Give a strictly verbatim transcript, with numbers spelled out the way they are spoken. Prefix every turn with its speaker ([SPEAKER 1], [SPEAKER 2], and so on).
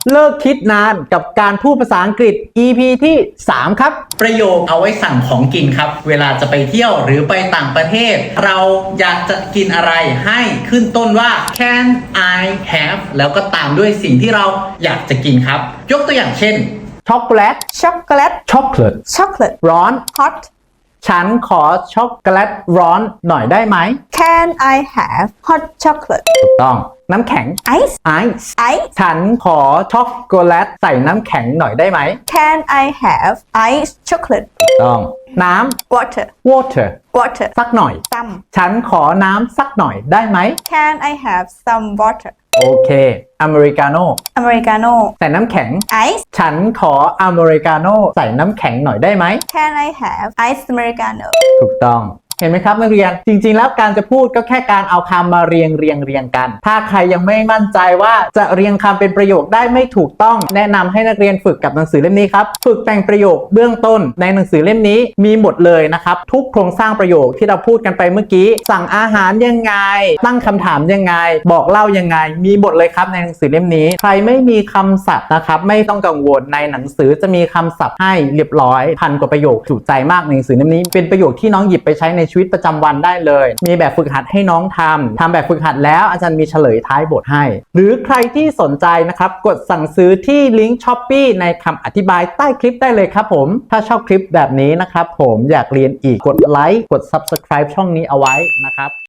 [SPEAKER 1] เลิกคิดนานกับการพูดภาษาอังกฤษ อี พี ที่สามครับ
[SPEAKER 2] ประโยคเอาไว้สั่งของกินครับเวลาจะไปเที่ยวหรือไปต่างประเทศเราอยากจะกินอะไรให้ขึ้นต้นว่า can I have แล้วก็ตามด้วยสิ่งที่เราอยากจะกินครับยกตัวอย่างเช่น
[SPEAKER 1] ช็อกโกแลต
[SPEAKER 3] chocolate
[SPEAKER 1] ช็อกโกแลต
[SPEAKER 3] chocolate
[SPEAKER 1] ร้อน
[SPEAKER 3] hot
[SPEAKER 1] ฉันขอช็อกโกแลตร้อนหน่อยได้ไหม
[SPEAKER 3] can I have hot chocolate
[SPEAKER 1] ถูกต้องน้ำแข็ง
[SPEAKER 3] ice
[SPEAKER 1] ไอซ์
[SPEAKER 3] ice
[SPEAKER 1] ฉันขอช็อกโกแลตใส่น้ำแข็งหน่อยได้ไหม
[SPEAKER 3] can I have ice chocolate
[SPEAKER 1] ถูกต้องน้ำ
[SPEAKER 3] water
[SPEAKER 1] water
[SPEAKER 3] water
[SPEAKER 1] สักหน่อย
[SPEAKER 3] some
[SPEAKER 1] ฉันขอน้ำสักหน่อยได้ไหม
[SPEAKER 3] can I have some water
[SPEAKER 1] โอเคอเมริกาโน่
[SPEAKER 3] americano
[SPEAKER 1] ใส่น้ำแข็ง
[SPEAKER 3] ice
[SPEAKER 1] ฉันขออเมริกาโน่ใส่น้ำแข็งหน่อยได้ไหม
[SPEAKER 3] can I have ice americano
[SPEAKER 1] ถูกต้องเห็นไหมครับนักเรียนจริงๆแล้วการจะพูดก็แค่การเอาคำมาเรียงเรียงเรียงกันถ้าใครยังไม่มั่นใจว่าจะเรียงคำเป็นประโยคได้ไม่ถูกต้องแนะนำให้นักเรียนฝึกกับหนังสือเล่มนี้ครับฝึกแต่งประโยคเบื้องต้นในหนังสือเล่มนี้มีหมดเลยนะครับทุกโครงสร้างประโยคที่เราพูดกันไปเมื่อกี้สั่งอาหารยังไงตั้งคำถามยังไงบอกเล่ายังไงมีหมดเลยครับในหนังสือเล่มนี้ใครไม่มีคำศัพท์นะครับไม่ต้องกังวลในหนังสือจะมีคำศัพท์ให้เรียบร้อยพันกว่าประโยคจุใจมากในหนังสือเล่มนี้เป็นประโยคที่น้องหยิบไปใช้ในชีวิตประจำวันได้เลยมีแบบฝึกหัดให้น้องทำทำแบบฝึกหัดแล้วอาจารย์มีเฉลยท้ายบทให้หรือใครที่สนใจนะครับกดสั่งซื้อที่ลิงก์ Shopee ในคำอธิบายใต้คลิปได้เลยครับผมถ้าชอบคลิปแบบนี้นะครับผมอยากเรียนอีกกดไลค์กด Subscribe ช่องนี้เอาไว้นะครับ